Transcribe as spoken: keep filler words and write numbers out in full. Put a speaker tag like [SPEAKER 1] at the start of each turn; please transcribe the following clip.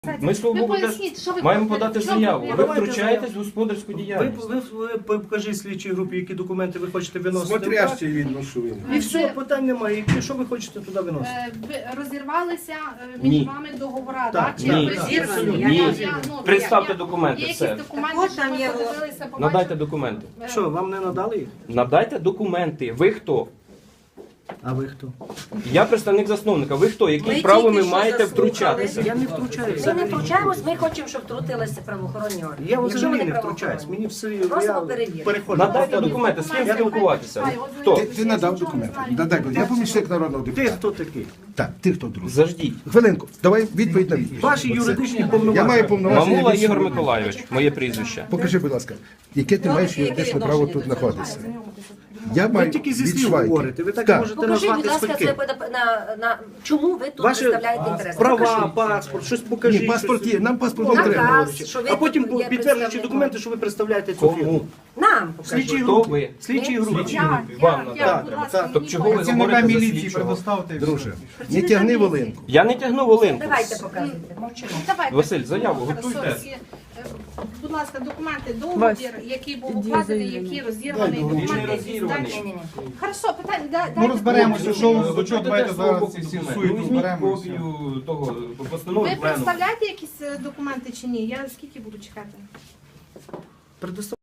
[SPEAKER 1] Ми Свободу
[SPEAKER 2] Ви
[SPEAKER 1] теж
[SPEAKER 2] поясніть, що ви
[SPEAKER 1] маємо
[SPEAKER 2] хочете?
[SPEAKER 1] подати
[SPEAKER 2] В чому
[SPEAKER 1] заяву. Ви
[SPEAKER 2] проблема?
[SPEAKER 1] втручаєтесь в господарську
[SPEAKER 3] Ви,
[SPEAKER 1] діяльність.
[SPEAKER 3] ви, ви покажіть слідчій групі, які документи ви хочете виносити.
[SPEAKER 4] Смотрящий видно, що він.
[SPEAKER 3] І все, питань немає. Які, що ви хочете туди виносити?
[SPEAKER 2] Е, ви розірвалися е,
[SPEAKER 1] Ні.
[SPEAKER 2] між вами договора,
[SPEAKER 3] Так,
[SPEAKER 2] так? Чи
[SPEAKER 1] ні.
[SPEAKER 2] ви-
[SPEAKER 5] Розірвані.
[SPEAKER 2] Я-
[SPEAKER 1] Ні.
[SPEAKER 2] я- я- ну,
[SPEAKER 1] Представте
[SPEAKER 2] я-
[SPEAKER 1] документи,
[SPEAKER 2] Є
[SPEAKER 1] все.
[SPEAKER 2] якісь документи,
[SPEAKER 5] Так от
[SPEAKER 2] що
[SPEAKER 5] там
[SPEAKER 2] ви
[SPEAKER 5] є-
[SPEAKER 2] подивилися, побачили?
[SPEAKER 1] Надайте документи.
[SPEAKER 2] Е,
[SPEAKER 3] Що, вам не надали їх?
[SPEAKER 1] Надайте документи. Ви хто?
[SPEAKER 3] А ви хто?
[SPEAKER 1] Я представник засновника. Ви хто? Які
[SPEAKER 5] Ми
[SPEAKER 1] право
[SPEAKER 5] тільки
[SPEAKER 1] ви
[SPEAKER 5] що
[SPEAKER 1] маєте
[SPEAKER 5] заслухали.
[SPEAKER 1] втручатися?
[SPEAKER 3] Я не втручаюся.
[SPEAKER 5] Ми не втручаємось, ми хочемо, щоб втрутилися правоохоронні органи.
[SPEAKER 3] Я
[SPEAKER 5] Якщо
[SPEAKER 3] взагалі
[SPEAKER 5] вони
[SPEAKER 3] не втручаюсь.
[SPEAKER 5] правоохоронні.
[SPEAKER 3] Мені все
[SPEAKER 5] Просимо
[SPEAKER 3] я
[SPEAKER 5] перевірити.
[SPEAKER 3] переходжу.
[SPEAKER 1] Надайте документи. З ким спілкуватися? Хто?
[SPEAKER 4] Ти, ти надав документи. Надай, будь- я помічник народного
[SPEAKER 3] Ти
[SPEAKER 4] депутата.
[SPEAKER 3] хто такий?
[SPEAKER 4] Так, ти хто, друг?
[SPEAKER 1] Заждіть.
[SPEAKER 4] Хвилинку, давай відповідь на відповідь.
[SPEAKER 3] Ваші
[SPEAKER 4] Оце.
[SPEAKER 3] юридичні
[SPEAKER 4] Я
[SPEAKER 3] повноваження.
[SPEAKER 4] маю повноваження.
[SPEAKER 1] Мамула
[SPEAKER 4] від
[SPEAKER 1] Ігор
[SPEAKER 4] суду.
[SPEAKER 1] Миколайович, моє прізвище.
[SPEAKER 4] Покажи, будь ласка, яке ти
[SPEAKER 5] Ну,
[SPEAKER 4] маєш
[SPEAKER 5] яке
[SPEAKER 4] юридичне
[SPEAKER 5] відношення
[SPEAKER 4] право
[SPEAKER 5] до
[SPEAKER 4] тут
[SPEAKER 5] цього?
[SPEAKER 4] знаходитися. Я
[SPEAKER 3] Ви
[SPEAKER 4] маю
[SPEAKER 3] тільки зі
[SPEAKER 4] від
[SPEAKER 3] слів
[SPEAKER 4] Швайки.
[SPEAKER 3] говорите. Ви так
[SPEAKER 4] Так.
[SPEAKER 3] можете
[SPEAKER 5] Покажіть, будь
[SPEAKER 3] назвати
[SPEAKER 5] ласка,
[SPEAKER 3] свідки.
[SPEAKER 5] своє подап- на, на чому ви тут
[SPEAKER 3] Ваші
[SPEAKER 5] представляєте інтерес?
[SPEAKER 3] права,
[SPEAKER 5] Покажіть.
[SPEAKER 3] паспорт, щось покажіть.
[SPEAKER 4] Ні, паспорт
[SPEAKER 3] щось.
[SPEAKER 4] є, нам паспорт не
[SPEAKER 5] Наказ,
[SPEAKER 4] треба.
[SPEAKER 5] що ви
[SPEAKER 3] А потім
[SPEAKER 5] тут є
[SPEAKER 3] підтверджуючи
[SPEAKER 5] представником.
[SPEAKER 3] документи, що ви представляєте цю
[SPEAKER 1] Кому?
[SPEAKER 3] фірму.
[SPEAKER 5] Нам покажіть.
[SPEAKER 3] Слідчій
[SPEAKER 1] Хто
[SPEAKER 3] групі.
[SPEAKER 1] ви?
[SPEAKER 3] Слідчій групі.
[SPEAKER 1] Слідчій
[SPEAKER 2] Я,
[SPEAKER 1] групі.
[SPEAKER 2] я,
[SPEAKER 1] Вам
[SPEAKER 2] я,
[SPEAKER 1] надати.
[SPEAKER 2] будь ласка,
[SPEAKER 3] Так,
[SPEAKER 2] мені
[SPEAKER 1] Тобто чого ви
[SPEAKER 2] поясніть.
[SPEAKER 1] говорите за
[SPEAKER 6] міліції
[SPEAKER 1] слідчого?
[SPEAKER 6] предоставте.
[SPEAKER 4] Друже, не тягни волинку.
[SPEAKER 1] Я не тягну волинку.
[SPEAKER 5] Давайте показуйте, мовчимо.
[SPEAKER 2] Давайте.
[SPEAKER 1] Василь, заяву
[SPEAKER 2] Хорошо,
[SPEAKER 1] готуйте.
[SPEAKER 2] всі, е, Будь ласка, документи, договір, який був укладений, який розірваний,
[SPEAKER 1] Він не
[SPEAKER 2] документи, які
[SPEAKER 1] розірваний.
[SPEAKER 2] здані.
[SPEAKER 5] Ні-ні-ні.
[SPEAKER 2] Хорошо, питання, да-
[SPEAKER 6] Ну
[SPEAKER 2] дайте
[SPEAKER 6] розберемося,
[SPEAKER 2] договір.
[SPEAKER 6] що
[SPEAKER 1] Ви
[SPEAKER 6] до чого
[SPEAKER 1] будете
[SPEAKER 6] давайте
[SPEAKER 1] свого
[SPEAKER 6] зараз
[SPEAKER 1] боку
[SPEAKER 6] ці всі
[SPEAKER 1] документи.
[SPEAKER 6] суєти
[SPEAKER 1] Ну, візьміть
[SPEAKER 6] розберемося.
[SPEAKER 1] копію того постанови
[SPEAKER 2] Ви
[SPEAKER 1] пленуму.
[SPEAKER 2] представляєте якісь е, документи чи ні? Я скільки буду чекати?
[SPEAKER 3] Предостав-